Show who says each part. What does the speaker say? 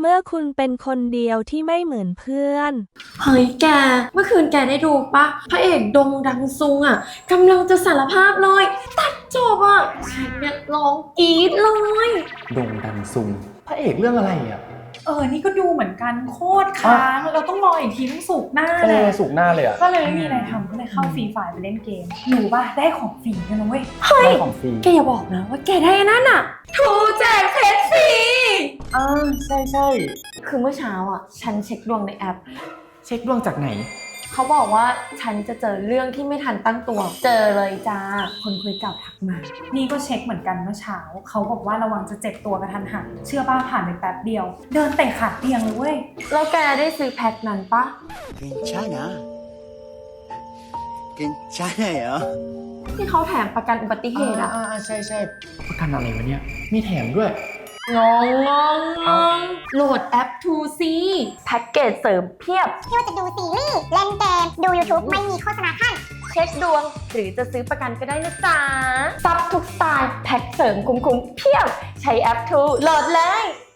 Speaker 1: เมื่อคุณเป็นคนเดียวที่ไม่เหมือนเพื่อน
Speaker 2: เฮ้ยแก เมื่อคืนแกได้ดูปะพระเอกดงดังซุงอ่ะกำลังจะสารภาพเลยตัดจบอ่ะฉันเนี่ยร้องกรี๊ดเลย
Speaker 3: โด่งดังซุงพระเอกเรื่องอะไรอ่ะ
Speaker 4: นี่ก็ดูเหมือนกันโคตรค้างเราต้องรออีกทีต้องสุกร์หน้าแหละ
Speaker 3: สุกหน้าเลยอ่ะ
Speaker 4: ก็เลยไม่มีอะไรทำก็เลยเข้าฟรีไฟล์ไปเล่นเกมหนูป่ะได้ของฟรีกันนะเว้ย
Speaker 3: ได้ของฟรี
Speaker 2: แกอย่าบอกนะว่าแกได้อันนั่นอ่ะทูแจกเพชรฟรี
Speaker 3: ใช่ใช่
Speaker 2: คือเมื่อเช้าอ่ะฉันเช็คดวงในแอป
Speaker 3: เช็คดวงจากไหน
Speaker 2: เขาบอกว่าฉันจะเจอเรื่องที่ไม่ทันตั้งตัว เจอเลยจ้า คนคุยเก่าทักมา
Speaker 4: นี่ก็เช็คเหมือนกันเมื่อเช้าเขาบอกว่าระวังจะเจ็บตัวกระทันหันเชื่อป้าผ่านไปแป๊บเดียว เดินเตะขาเตียงเลยเว้ย
Speaker 2: แล้วแกได้ซื้อแพ็คนั้นปะ
Speaker 5: 괜찮아. 괜찮아요.
Speaker 2: ที่เขาแถมประกันอุบัติเหตุอะ
Speaker 3: ใช่ใช่ประกันอะไรวะเนี่ย มีแถมด้วย
Speaker 2: งงโหลดแอป 2C แพ็กเกจเสริมเพียบ
Speaker 6: ไม่ว่าจะดูซีรีส์ เล่นเกม ดู YouTube ไม่มีโฆษณาขั้น
Speaker 2: เช็คดวง หรือจะซื้อประกันก็ได้นะจ๊ะซับทุกสไตล์ แพ็กเสริมคุ้มๆเพียบ ใช้แอป 2 โหลดเลย